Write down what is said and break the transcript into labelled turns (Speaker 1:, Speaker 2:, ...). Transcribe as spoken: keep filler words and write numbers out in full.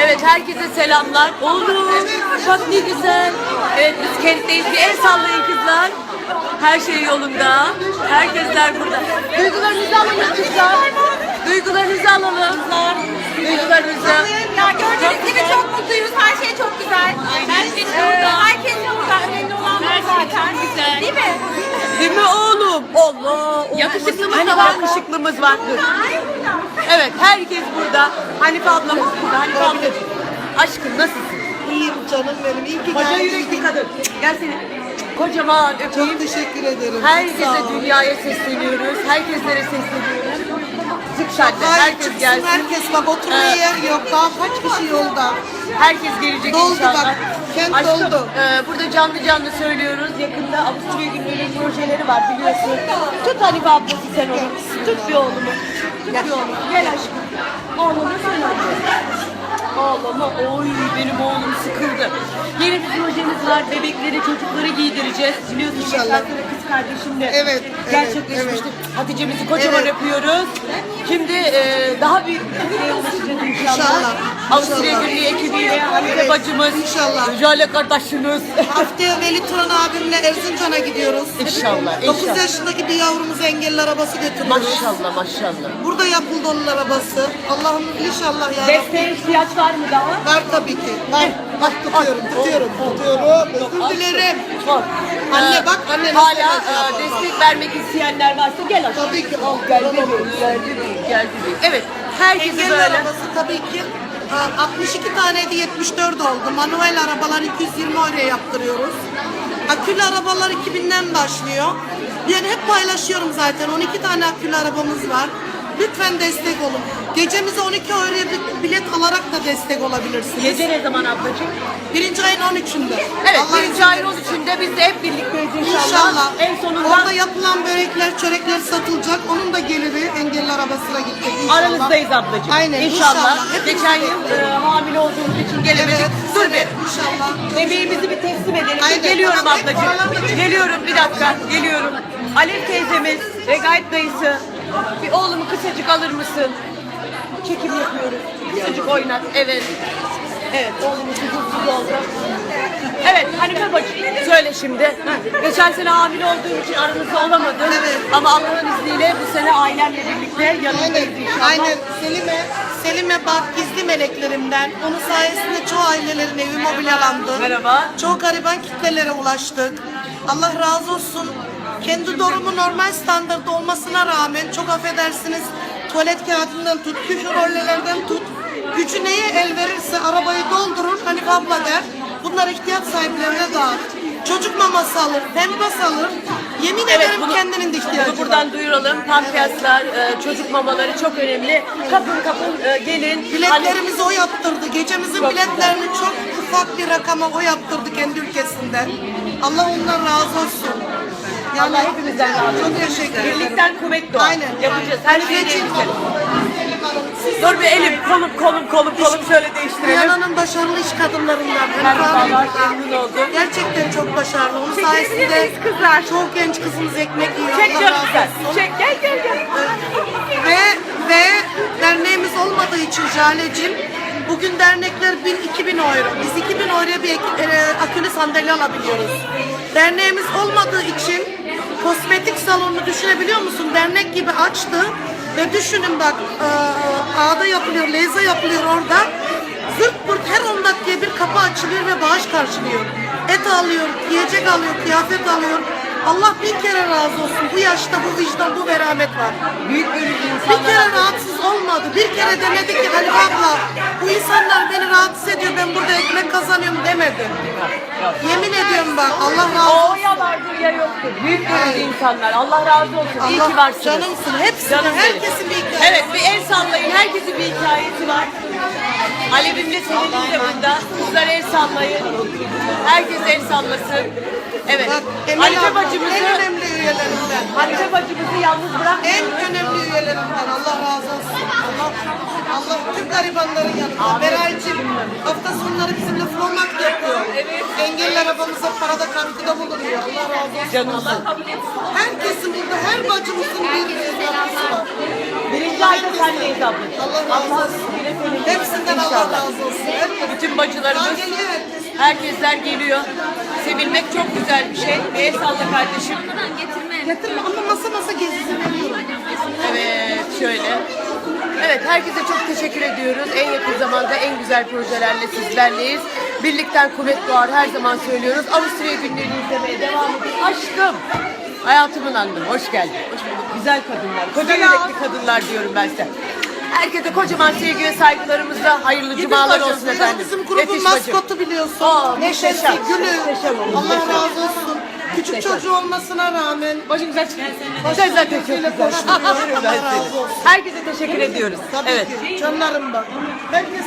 Speaker 1: Evet, herkese selamlar. Oğlum, bak ne güzel. Evet, biz kentteyiz. Bir el sallayın kızlar. Her şey yolunda. Herkesler burada. Duygularınızı alalım kızlar. Duygularınızı alalım. Duygularınızı.
Speaker 2: Ya gördüğünüz gibi çok mutluyuz. Her şey çok güzel. Herkes burada. Herkes burada. Önemli olan bu zaten. Güzel. Değil mi?
Speaker 1: Değil mi oğlum? Allah.
Speaker 2: Yakışıklımız
Speaker 1: hani
Speaker 2: da var.
Speaker 1: Yakışıklımız var. Dur. Evet, herkes burada. Hanife ablamız burada. Hanife ablacığım. Aşkım nasılsın?
Speaker 3: İyiyim canım benim. İyi ki
Speaker 1: Koca
Speaker 3: geldin.
Speaker 1: yürekli kadın. Gel seni. Kocaman öpeyim.
Speaker 3: Çok teşekkür ederim. Çok
Speaker 1: Herkese
Speaker 3: sağ ol.
Speaker 1: dünyaya sesleniyoruz. Herkeslere sesleniyoruz. Sık sen de.
Speaker 3: Hayır,
Speaker 1: Herkes
Speaker 3: çıksın
Speaker 1: gelsin.
Speaker 3: herkes bak oturmaya
Speaker 1: Ee,
Speaker 3: yer yok. Daha kaç kişi yolda?
Speaker 1: Herkes gelecek
Speaker 3: Doldu
Speaker 1: inşallah.
Speaker 3: bak, kent
Speaker 1: Aşkım,
Speaker 3: doldu.
Speaker 1: e, burada canlı canlı söylüyoruz. Yakında Avusturya günleri projeleri var biliyorsun. Tut Hanife ablası sen onu. Tut bir oğlumu. Tut bir oğlumu. Gel aşkım. Oğlumu söyle. Ağlama. Oy benim oğlum sıkıldı. Yeni bir projemiz var. Bebekleri, çocukları giydireceğiz. Biliyorsun
Speaker 3: İnşallah.
Speaker 1: geçen sene kız kardeşimle
Speaker 3: Evet,
Speaker 1: gerçekleşmişti.
Speaker 3: evet,
Speaker 1: Hatice'mizi kocaman
Speaker 3: Evet.
Speaker 1: öpüyoruz. Şimdi e, daha büyük bir kitleye ulaşacağız inşallah.
Speaker 3: İnşallah,
Speaker 1: Avusturya
Speaker 3: inşallah.
Speaker 1: Günlüğü ekibiyle Hanife
Speaker 3: Evet,
Speaker 1: bacımız,
Speaker 3: inşallah.
Speaker 1: Jale kardeşimiz.
Speaker 3: Haftaya Veli Turan abimle Erzincan'a gidiyoruz.
Speaker 1: İnşallah,
Speaker 3: dokuz
Speaker 1: inşallah.
Speaker 3: yaşındaki bir yavrumuza engelli arabası götürüyoruz.
Speaker 1: Maşallah maşallah.
Speaker 3: Burada yapıldı onun arabası. Allah'ım inşallah ya.
Speaker 1: Desteğe ihtiyaç var mı daha?
Speaker 3: Var tabii ki. Var. Bak tutuyorum, tutuyorum, tutuyorum. Özür dilerim.
Speaker 1: Var.
Speaker 3: Anne
Speaker 1: Ee,
Speaker 3: bak, anne nasıl
Speaker 1: hala
Speaker 3: enerji
Speaker 1: e,
Speaker 3: yapar,
Speaker 1: destek vermek isteyenler varsa gel aşkım.
Speaker 3: Tabii ki. Al,
Speaker 1: Gel
Speaker 3: al,
Speaker 1: bebeğim,
Speaker 3: al.
Speaker 1: gel bebeğim, gel bebeğim. Evet, herkese
Speaker 3: Engelli
Speaker 1: böyle.
Speaker 3: arabası tabii ki e, altmış iki taneydi, yetmiş dört oldu. Manuel arabalar iki yüz yirmi euroya yaptırıyoruz. Akülü arabalar iki binden başlıyor. Yani hep paylaşıyorum zaten. on iki tane akülü arabamız var. Lütfen destek olun. Gecemize on iki euroya bir bilet alarak da destek olabilirsiniz.
Speaker 1: Gece ne zaman ablacığım?
Speaker 3: Birinci ayın on üçünde.
Speaker 1: Evet,
Speaker 3: Allah
Speaker 1: birinci
Speaker 3: izin
Speaker 1: ayın on
Speaker 3: verirse.
Speaker 1: üçünde biz de hep birlikteyiz inşallah.
Speaker 3: İnşallah.
Speaker 1: En sonunda
Speaker 3: Orada yapılan börekler, çörekler satılacak. Onun da geliri engelli arabasına gidecek inşallah.
Speaker 1: aranızdayız ablacığım.
Speaker 3: Aynen,
Speaker 1: İnşallah.
Speaker 3: inşallah. Hepimiz
Speaker 1: Geçen yıl
Speaker 3: bekleriz.
Speaker 1: e, hamile olduğumuz için gelemedik.
Speaker 3: Evet,
Speaker 1: Dur
Speaker 3: evet,
Speaker 1: bir.
Speaker 3: inşallah.
Speaker 1: Bebeğimizi bir teslim edelim.
Speaker 3: Aynen,
Speaker 1: Geliyorum
Speaker 3: tamam.
Speaker 1: ablacığım. Geliyorum bir dakika. Geliyorum. Alev teyzemiz, Regait dayısı. Bir oğlumu kısacık alır mısın? Çekim yapıyoruz. Kısacık oynat. Evet. Evet, oğlumuz huzursuz oldu. Evet, Hanife bacı söyle şimdi. Heh, Geçen sene hamile olduğum için aranızda olamadım.
Speaker 3: Evet.
Speaker 1: Ama Allah'ın izniyle bu sene ailemle birlikte yanındayız
Speaker 3: Aynen,
Speaker 1: inşallah.
Speaker 3: aynen. Selime, Selime bak gizli meleklerimden. Onun sayesinde çoğu ailelerin evi mobilyalandı.
Speaker 1: Merhaba.
Speaker 3: Çoğu gariban kitlelere ulaştık. Allah razı olsun. Kendi durumu normal standartta olmasına rağmen çok affedersiniz tuvalet kağıdından tut, küfürollelerden tut. Gücü neye el verirse arabayı doldurur. Hani abla der. Bunlar ihtiyaç sahiplerine dağıt. Çocuk maması alır, pempas alır. Yemin
Speaker 1: Evet,
Speaker 3: ederim
Speaker 1: bunu-
Speaker 3: kendinin de ihtiyacı
Speaker 1: Bunu buradan
Speaker 3: var.
Speaker 1: duyuralım. Pampiyaslar, e, çocuk mamaları çok önemli. Kapın kapın e, gelin.
Speaker 3: Biletlerimizi o yaptırdı. Gecemizin
Speaker 1: Çok
Speaker 3: biletlerini çok ufak bir rakama o yaptırdı kendi ülkesinden. Allah ondan razı olsun.
Speaker 1: Allah hepimizden razı olsun.
Speaker 3: Çok teşekkür ederim.
Speaker 1: Birlikten kuvvet doğar.
Speaker 3: Aynen.
Speaker 1: Yapacağız. Her şeyi
Speaker 3: Geçin.
Speaker 1: değiştirelim. Dur bir elim, kolum, kolum, kolum, kolum şöyle değiştirelim.
Speaker 3: Dünyanın başarılı iş kadınlarından.
Speaker 1: Merhabalar, memnun oldum.
Speaker 3: Gerçekten çok başarılı. Onun
Speaker 1: Çekebilir
Speaker 3: sayesinde
Speaker 1: miyiz kızlar?
Speaker 3: çok genç kızımız ekmek yiyor.
Speaker 1: Çek
Speaker 3: Allah
Speaker 1: canım
Speaker 3: razı
Speaker 1: sen.
Speaker 3: olsun.
Speaker 1: Çek, gel gel gel.
Speaker 3: Ve ve derneğimiz olmadığı için Jale'cim bugün dernekler bin iki bin euro. Biz iki bin euroya bir ek- e, akülü sandalye alabiliyoruz. Derneğimiz olmadığı için kosmetik salonunu düşünebiliyor musun? Dernek gibi açtı ve düşünün bak e, ağda yapılıyor, leza yapılıyor orada. Zırt pırt her on dakikaya bir kapı açılıyor ve bağış karşılıyor. Et alıyor, yiyecek alıyor, kıyafet alıyor. Allah bin kere razı olsun. Bu yaşta bu vicdan, bu merhamet var.
Speaker 1: Büyük gönüllü
Speaker 3: Bir
Speaker 1: insanlar.
Speaker 3: kere rahatsız olmadı. Bir kere demedi ki Hanife abla bu insanlar beni rahatsız ediyor, ben burada ekmek kazanıyorum demedi. Yemin ediyorum bak Allah razı olsun.
Speaker 1: O ya vardır ya yoktur. Büyük gönüllü insanlar. Allah razı olsun. İyi
Speaker 3: Allah
Speaker 1: ki varsınız.
Speaker 3: canımsın. Hepsine,
Speaker 1: Canım benim.
Speaker 3: herkesin bir hikayesi.
Speaker 1: Evet, bir el sallayın. Herkesin bir hikayesi var. Alevimle Selin'in de burada. Kızlar el sallayın. Herkes el sallasın. Evet.
Speaker 3: Bak Emel
Speaker 1: Hanife
Speaker 3: abla
Speaker 1: bacımızı,
Speaker 3: en önemli üyelerimden.
Speaker 1: Hanife bacımızı yalnız bırak.
Speaker 3: En önemli üyelerimden. Allah razı olsun. Allah, Allah tüm garibanların yanında. Beraycığım hafta sonları bizimle flomak yapıyor.
Speaker 1: Evet.
Speaker 3: Engelli arabamıza parada katkıda bulunuyor. Allah razı olsun.
Speaker 1: Canımsın.
Speaker 3: Herkesin burada, her bacımızın bir katkısı var.
Speaker 1: Birinci ayda sendeyiz ablacığım.
Speaker 3: Allah razı
Speaker 1: Allah
Speaker 3: olsun.
Speaker 1: bile senin
Speaker 3: Hepsinden Allah
Speaker 1: İnşallah.
Speaker 3: razı olsun. Herkes-
Speaker 1: Bütün bacılarımız,
Speaker 3: Daha geliyor herkes.
Speaker 1: herkesler geliyor. Sevilmek çok güzel bir şey. Bir el salla kardeşim.
Speaker 3: Getirme ama masa masa gezisini veriyorum.
Speaker 1: Evet, şöyle. Evet, herkese çok teşekkür ediyoruz. En yakın zamanda en güzel projelerle sizlerleyiz. Birlikten kuvvet doğar, her zaman söylüyoruz. Avusturya günlerini izlemeye devam edin. Aşkım, hayatımın anlamı. Hoş geldin. Hoş bulduk. Güzel kadınlar, koca yürekli kadınlar diyorum ben size. Herkese kocaman sevgi ve saygılarımızla hayırlı cumalar
Speaker 3: bacım,
Speaker 1: olsun efendim.
Speaker 3: Bizim grubun
Speaker 1: Yetiş bacım.
Speaker 3: maskotu biliyorsun.
Speaker 1: Aa,
Speaker 3: Neşesi,
Speaker 1: muhteşem.
Speaker 3: gülü.
Speaker 1: Muhteşem olmuş,
Speaker 3: Allah
Speaker 1: muhteşem.
Speaker 3: razı olsun. Küçük
Speaker 1: Muhteşem.
Speaker 3: çocuğu olmasına rağmen
Speaker 1: Başım güzel çıkıyor. Sen zaten çok güzel.
Speaker 3: koşturuyor. Allah razı olsun.
Speaker 1: Herkese teşekkür ediyoruz.
Speaker 3: Tabii
Speaker 1: Evet.
Speaker 3: ki. Canlarım bak. Herkes